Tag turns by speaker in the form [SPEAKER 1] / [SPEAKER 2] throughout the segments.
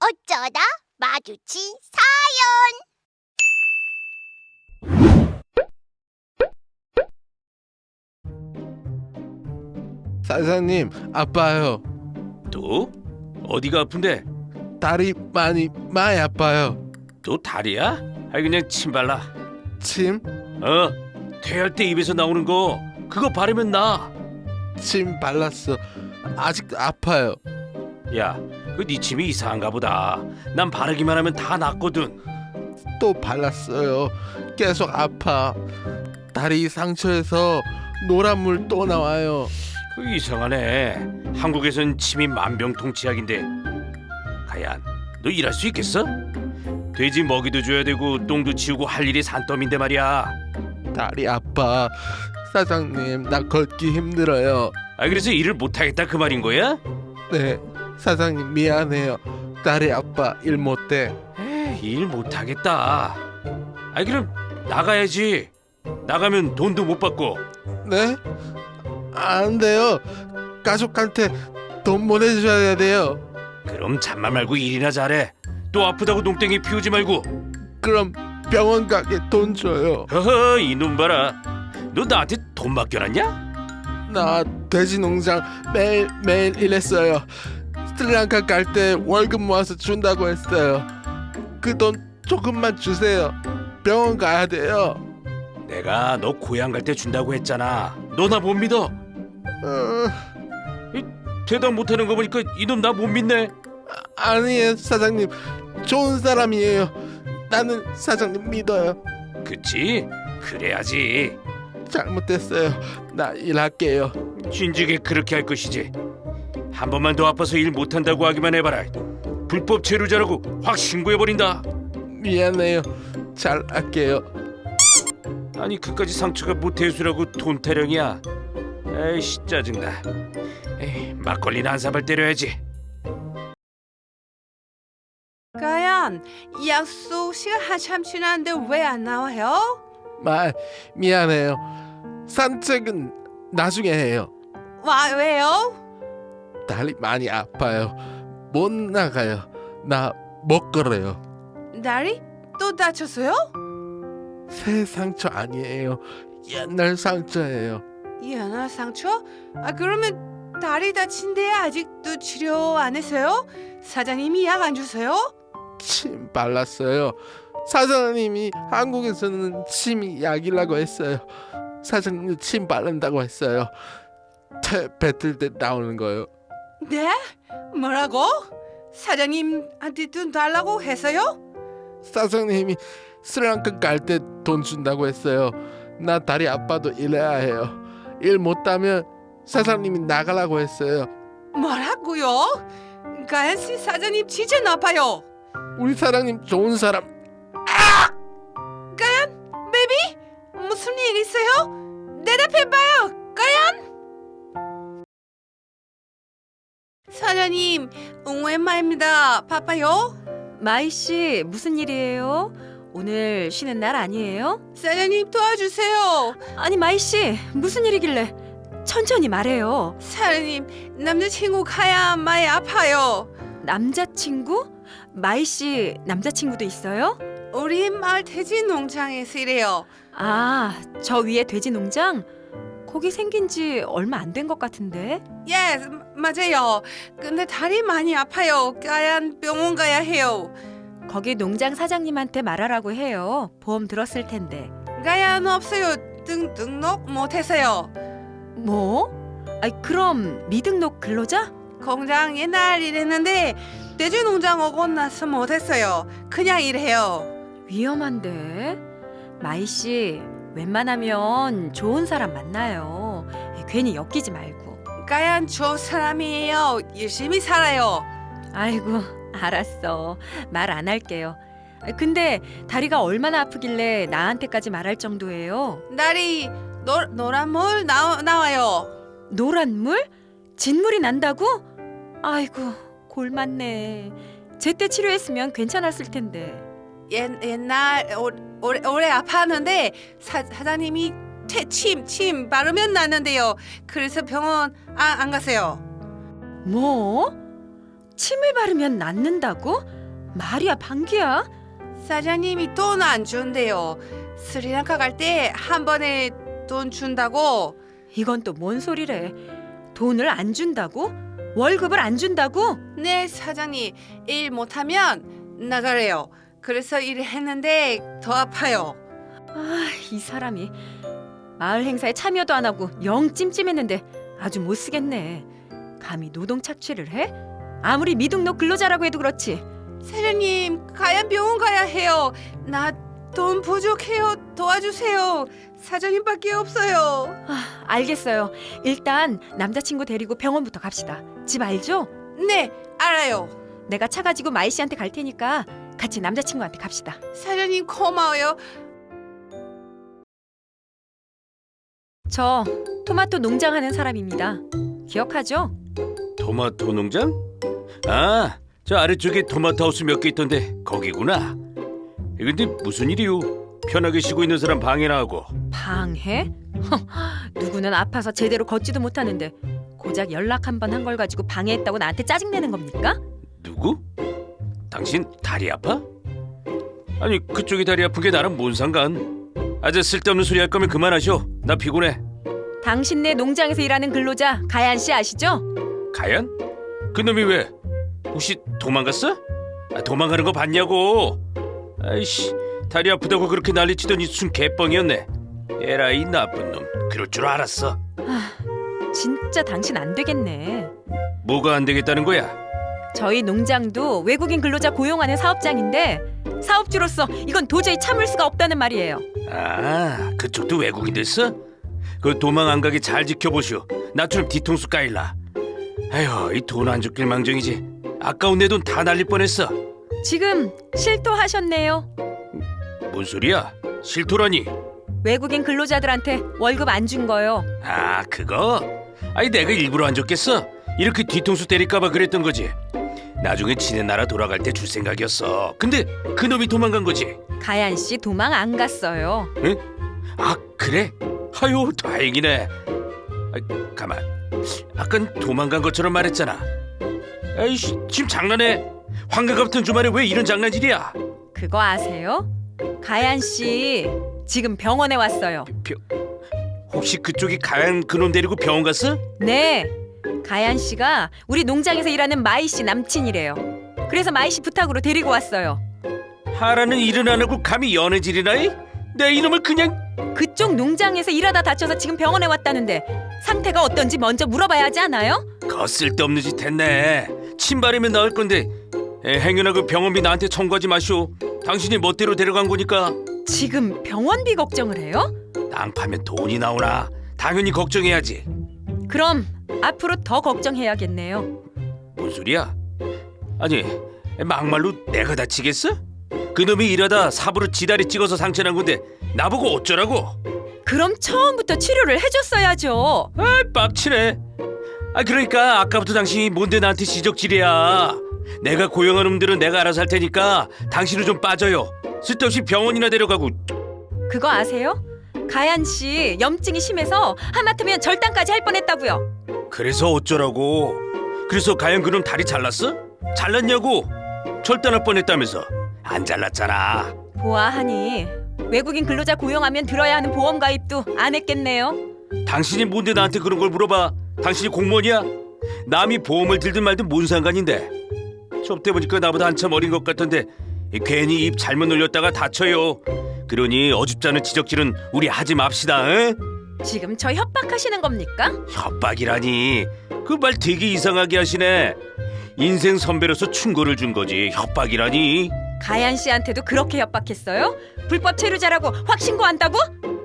[SPEAKER 1] 어쩌다 마주친
[SPEAKER 2] 사장님, 아파요.
[SPEAKER 3] 또? 어디가 아픈데?
[SPEAKER 2] 다리 많이 아파요.
[SPEAKER 3] 또 다리야? 아이 그냥 침 발라.
[SPEAKER 2] 침?
[SPEAKER 3] 퇴할 때 입에서 나오는 거 그거 바르면 나.
[SPEAKER 2] 침 발랐어. 아직도 아파요.
[SPEAKER 3] 야, 그 네 침이 이상한가 보다. 난 바르기만 하면 다 낫거든.
[SPEAKER 2] 또 발랐어요. 계속 아파. 다리 상처에서 노란 물 또 나와요.
[SPEAKER 3] 그 이상하네. 한국에선 침이 만병통치약인데. 가연, 너 일할 수 있겠어? 돼지 먹이도 줘야 되고 똥도 치우고 할 일이 산더미인데 말이야.
[SPEAKER 2] 다리 아파. 사장님, 나 걷기 힘들어요.
[SPEAKER 3] 아 그래서 일을 못하겠다 그 말인 거야?
[SPEAKER 2] 네, 사장님 미안해요. 다리 아파 일 못해.
[SPEAKER 3] 에이, 일 못하겠다. 아이 그럼 나가야지. 나가면 돈도 못 받고.
[SPEAKER 2] 네? 안 돼요. 가족한테 돈 보내줘야 돼요.
[SPEAKER 3] 그럼 잠만 말고 일이나 잘해. 또 아프다고 농땡이 피우지 말고.
[SPEAKER 2] 그럼 병원 가게 돈 줘요.
[SPEAKER 3] 허허 이놈 봐라. 너 나한테 돈 맡겨놨냐?
[SPEAKER 2] 나 돼지 농장 매일 일했어요. 스리랑카 갈 때 월급 모아서 준다고 했어요. 그 돈 조금만 주세요. 병원 가야 돼요.
[SPEAKER 3] 내가 너 고향 갈 때 준다고 했잖아. 너 나 못 믿어? 대답 못하는 거 보니까 이놈 나 못 믿네.
[SPEAKER 2] 아니에요, 사장님. 좋은 사람이에요. 나는 사장님 믿어요.
[SPEAKER 3] 그치? 그래야지.
[SPEAKER 2] 잘못했어요. 나 일할게요.
[SPEAKER 3] 진즉에 그렇게 할 것이지. 한 번만 더 아파서 일 못한다고 하기만 해봐라. 불법 체류자라고 확 신고해버린다.
[SPEAKER 2] 미안해요. 잘할게요.
[SPEAKER 3] 아니 그까지 상처가 모태수라고 돈 타령이야. 에이씨 짜증나. 에이, 막걸리나 한 사발 때려야지.
[SPEAKER 4] 가연, 약속 시간 한참 지났는데 왜 안 나와요?
[SPEAKER 2] 미안해요. 산책은 나중에 해요.
[SPEAKER 4] 왜요?
[SPEAKER 2] 다리 많이 아파요. 못 나가요. 나 못 걸어요.
[SPEAKER 4] 다리? 또 다쳤어요?
[SPEAKER 2] 새 상처 아니에요. 옛날 상처예요.
[SPEAKER 4] 연화 상처? 그러면 다리 다친데 아직도 치료 안 했어요? 사장님이 약 안 주세요?
[SPEAKER 2] 침 발랐어요. 사장님이 한국에서는 침이 약이라고 했어요. 사장님도 침 바른다고 했어요. 뱉을 때 나오는 거요.
[SPEAKER 4] 네? 뭐라고? 사장님한테 돈 달라고 했어요?
[SPEAKER 2] 사장님이 스리랑카 갈 때 돈 준다고 했어요. 나 다리 아파도 일해야 해요. 일 못하면 사장님이 나가라고 했어요.
[SPEAKER 4] 뭐라고요? 가연 씨 사장님 진짜 나빠요.
[SPEAKER 2] 우리 사장님 좋은 사람.
[SPEAKER 4] 가연, 베이비, 무슨 일 있어요? 대답해봐요, 가연. 사장님, 오랜만입니다. 바빠요?
[SPEAKER 5] 마이 씨, 무슨 일이에요? 오늘 쉬는 날 아니에요?
[SPEAKER 4] 사장님 도와주세요.
[SPEAKER 5] 아니, 마이 씨, 무슨 일이길래? 천천히 말해요.
[SPEAKER 4] 사장님, 남자친구 가야 많이 아파요.
[SPEAKER 5] 남자친구? 마이 씨, 남자친구도 있어요?
[SPEAKER 4] 우리 마을 돼지 농장에서 일해요.
[SPEAKER 5] 아, 저 위에 돼지 농장? 거기 생긴 지 얼마 안 된 것 같은데.
[SPEAKER 4] 예, 맞아요. 근데 다리 많이 아파요. 가연 병원 가야 해요.
[SPEAKER 5] 거기 농장 사장님한테 말하라고 해요. 보험 들었을 텐데.
[SPEAKER 4] 가연 없어요. 등록 못했어요.
[SPEAKER 5] 뭐? 아이, 그럼 미등록 근로자?
[SPEAKER 4] 공장 옛날 일했는데 돼지 농장 오고 나서 못했어요. 그냥 일해요.
[SPEAKER 5] 위험한데. 마이 씨, 웬만하면 좋은 사람 만나요. 괜히 엮이지 말고.
[SPEAKER 4] 가연 좋은 사람이에요. 열심히 살아요.
[SPEAKER 5] 아이고, 알았어. 말 안 할게요. 근데 다리가 얼마나 아프길래 나한테까지 말할 정도예요?
[SPEAKER 4] 다리 노란 물 나와요.
[SPEAKER 5] 노란 물? 진물이 난다고? 아이고, 골 맞네. 제때 치료했으면 괜찮았을 텐데.
[SPEAKER 4] 옛날 오래 아팠는데 사장님이 침 바르면 낫는데요. 그래서 병원 안 가세요.
[SPEAKER 5] 뭐? 침을 바르면 낫는다고? 말이야 방귀야?
[SPEAKER 4] 사장님이 돈 안 준대요. 스리랑카 갈 때 한 번에 돈 준다고.
[SPEAKER 5] 이건 또 뭔 소리래? 돈을 안 준다고? 월급을 안 준다고?
[SPEAKER 4] 네, 사장님 일 못하면 나가래요. 그래서 일을 했는데 더 아파요.
[SPEAKER 5] 아, 이 사람이 마을 행사에 참여도 안 하고 영 찜찜했는데 아주 못 쓰겠네. 감히 노동 착취를 해? 아무리 미등록 근로자라고 해도 그렇지.
[SPEAKER 4] 사장님, 가야 병원 가야 해요. 나 돈 부족해요. 도와주세요. 사장님밖에 없어요.
[SPEAKER 5] 아, 알겠어요. 일단 남자친구 데리고 병원부터 갑시다. 집 알죠?
[SPEAKER 4] 네, 알아요.
[SPEAKER 5] 내가 차 가지고 마이 씨한테 갈 테니까 같이 남자친구한테 갑시다.
[SPEAKER 4] 사장님 고마워요.
[SPEAKER 5] 저 토마토 농장 하는 사람입니다. 기억하죠?
[SPEAKER 3] 토마토 농장? 아, 저 아래쪽에 토마토 하우스 몇 개 있던데 거기구나. 근데 무슨 일이요? 편하게 쉬고 있는 사람 방해나 하고.
[SPEAKER 5] 방해? 누구는 아파서 제대로 걷지도 못하는데 고작 연락 한 번 한 걸 가지고 방해했다고 나한테 짜증내는 겁니까?
[SPEAKER 3] 누구? 당신 다리 아파? 아니 그쪽이 다리 아픈 게 나랑 뭔 상관? 아재 쓸데없는 소리 할 거면 그만하셔. 나 피곤해.
[SPEAKER 5] 당신네 농장에서 일하는 근로자 가얀 씨 아시죠?
[SPEAKER 3] 가연? 그놈이 왜? 혹시 도망갔어? 아, 도망가는 거 봤냐고. 아이씨, 다리 아프다고 그렇게 난리치더니 순 개뻥이었네. 에라이 나쁜 놈. 그럴 줄 알았어.
[SPEAKER 5] 진짜 당신 안 되겠네.
[SPEAKER 3] 뭐가 안 되겠다는 거야?
[SPEAKER 5] 저희 농장도 외국인 근로자 고용하는 사업장인데 사업주로서 이건 도저히 참을 수가 없다는 말이에요.
[SPEAKER 3] 아, 그쪽도 외국인 됐어? 그 도망 안 가게 잘 지켜보시오. 나처럼 뒤통수 까일라. 아휴, 이 돈 안 줬길 망정이지. 아까운 내 돈 다 날릴 뻔했어.
[SPEAKER 5] 지금 실토하셨네요.
[SPEAKER 3] 뭔 소리야? 실토라니?
[SPEAKER 5] 외국인 근로자들한테 월급 안 준 거요.
[SPEAKER 3] 아, 그거? 아니 내가 일부러 안 줬겠어? 이렇게 뒤통수 때릴까봐 그랬던 거지. 나중에 지네 나라 돌아갈 때 줄 생각이었어. 근데 그놈이 도망간 거지.
[SPEAKER 5] 가얀 씨 도망 안 갔어요.
[SPEAKER 3] 응? 아, 그래? 아유, 다행이네. 아, 가만. 아깐 도망간 것처럼 말했잖아. 아이씨, 지금 장난해? 환갑 같은 주말에 왜 이런 장난질이야?
[SPEAKER 5] 그거 아세요? 가얀 씨 지금 병원에 왔어요.
[SPEAKER 3] 혹시 그쪽이 가연 그놈 데리고 병원 갔어?
[SPEAKER 5] 네, 가얀 씨가 우리 농장에서 일하는 마이 씨 남친이래요. 그래서 마이 씨 부탁으로 데리고 왔어요.
[SPEAKER 3] 하라는 일은 안 하고 감히 연애질이나 해? 내 이놈을 그냥...
[SPEAKER 5] 그쪽 농장에서 일하다 다쳐서 지금 병원에 왔다는데 상태가 어떤지 먼저 물어봐야 하지 않아요?
[SPEAKER 3] 거 쓸데없는 짓 했네. 침 바르면 나을 건데. 행여나 그 병원비 나한테 청구하지 마시오. 당신이 멋대로 데려간 거니까.
[SPEAKER 5] 지금 병원비 걱정을 해요?
[SPEAKER 3] 땅 파면 돈이 나오나. 당연히 걱정해야지.
[SPEAKER 5] 그럼 앞으로 더 걱정해야겠네요.
[SPEAKER 3] 뭔 소리야? 아니, 막말로 내가 다치겠어? 그놈이 일하다 삽으로 지다리 찍어서 상처난 건데 나보고 어쩌라고?
[SPEAKER 5] 그럼 처음부터 치료를 해줬어야죠.
[SPEAKER 3] 아, 빡치네. 아, 그러니까 아까부터 당신이 뭔데 나한테 지적질이야. 내가 고용한 놈들은 내가 알아서 할 테니까 당신은 좀 빠져요. 쓸데없이 병원이나 데려가고.
[SPEAKER 5] 그거 아세요? 가얀 씨 염증이 심해서 하마터면 절단까지 할 뻔했다고요.
[SPEAKER 3] 그래서 어쩌라고? 그래서 가연 그놈 다리 잘랐어? 잘랐냐고? 절단할 뻔했다면서. 안 잘랐잖아.
[SPEAKER 5] 보아하니 외국인 근로자 고용하면 들어야 하는 보험 가입도 안 했겠네요.
[SPEAKER 3] 당신이 뭔데 나한테 그런 걸 물어봐? 당신이 공무원이야? 남이 보험을 들든 말든 뭔 상관인데? 접대 보니까 나보다 한참 어린 것 같던데 괜히 입 잘못 놀렸다가 다쳐요. 그러니 어줍잖은 지적질은 우리 하지 맙시다. 에?
[SPEAKER 5] 지금 저 협박하시는 겁니까?
[SPEAKER 3] 협박이라니. 그 말 되게 이상하게 하시네. 인생 선배로서 충고를 준 거지 협박이라니.
[SPEAKER 5] 가얀 씨한테도 그렇게 협박했어요? 불법 체류자라고 확 신고한다고?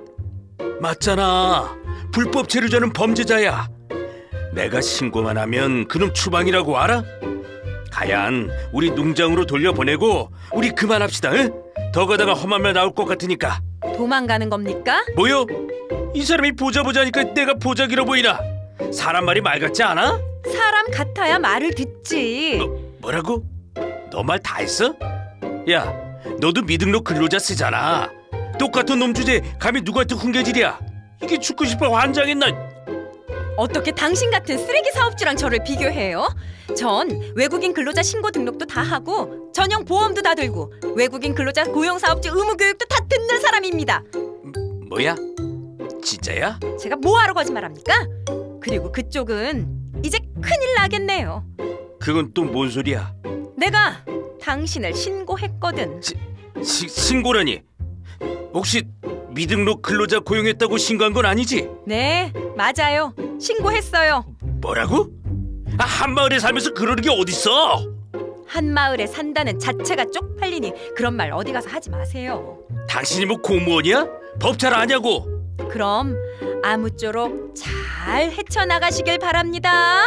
[SPEAKER 3] 맞잖아. 불법 체류자는 범죄자야. 내가 신고만 하면 그놈 추방이라고 알아? 가얀 우리 농장으로 돌려보내고 우리 그만합시다. 응? 더 가다가 험한 말 나올 것 같으니까.
[SPEAKER 5] 도망가는 겁니까?
[SPEAKER 3] 뭐요? 이 사람이 보자보자니까 내가 보자기로 보이나? 사람 말이 말 같지 않아?
[SPEAKER 5] 사람 같아야 말을 듣지.
[SPEAKER 3] 뭐라고? 너 말 다 했어? 야, 너도 미등록 근로자 쓰잖아. 똑같은 놈 주제 감히 누구한테 훈계질이야? 이게 죽고 싶어 환장했나?
[SPEAKER 5] 어떻게 당신 같은 쓰레기 사업주랑 저를 비교해요? 전 외국인 근로자 신고 등록도 다 하고 전용 보험도 다 들고 외국인 근로자 고용사업주 의무 교육도 다 듣는 사람입니다.
[SPEAKER 3] 뭐야? 진짜야?
[SPEAKER 5] 제가 뭐하러 거짓말합니까? 그리고 그쪽은 이제 큰일 나겠네요.
[SPEAKER 3] 그건 또 뭔 소리야?
[SPEAKER 5] 내가 당신을 신고했거든.
[SPEAKER 3] 신고라니? 혹시 미등록 근로자 고용했다고 신고한 건 아니지?
[SPEAKER 5] 네, 맞아요. 신고했어요.
[SPEAKER 3] 뭐라고? 한마을에 살면서 그러는 게 어딨어?
[SPEAKER 5] 한마을에 산다는 자체가 쪽팔리니 그런 말 어디 가서 하지 마세요.
[SPEAKER 3] 당신이 뭐 공무원이야? 법 잘 아냐고?
[SPEAKER 5] 그럼 아무쪼록 잘 헤쳐나가시길 바랍니다.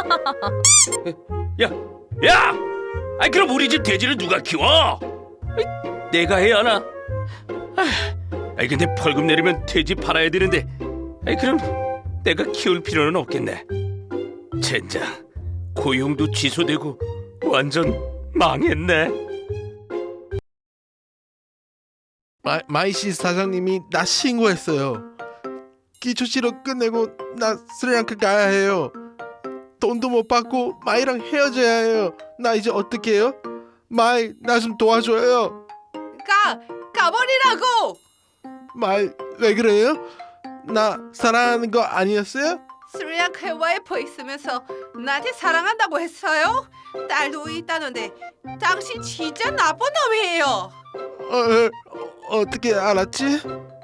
[SPEAKER 3] 야! 아이 그럼 우리 집 돼지를 누가 키워? 내가 해야 하나? 아이 근데 벌금 내리면 돼지 팔아야 되는데 그럼 내가 키울 필요는 없겠네. 젠장 고용도 취소되고 완전 망했네.
[SPEAKER 2] 마이시 사장님이 나 신고했어요. 기초치료 끝내고 나 스리랑카 가야 해요. 돈도 못 받고 마이랑 헤어져야 해요. 나 이제 어떻게 해요? 마이 나 좀 도와줘요.
[SPEAKER 4] 가버리라고.
[SPEAKER 2] 마이 왜 그래요? 나 사랑하는 거 아니었어요?
[SPEAKER 4] 스리랑카에 와이프 있으면서 나한테 사랑한다고 했어요? 딸도 있다는데 당신 진짜 나쁜 놈이에요.
[SPEAKER 2] 어떻게 알았지?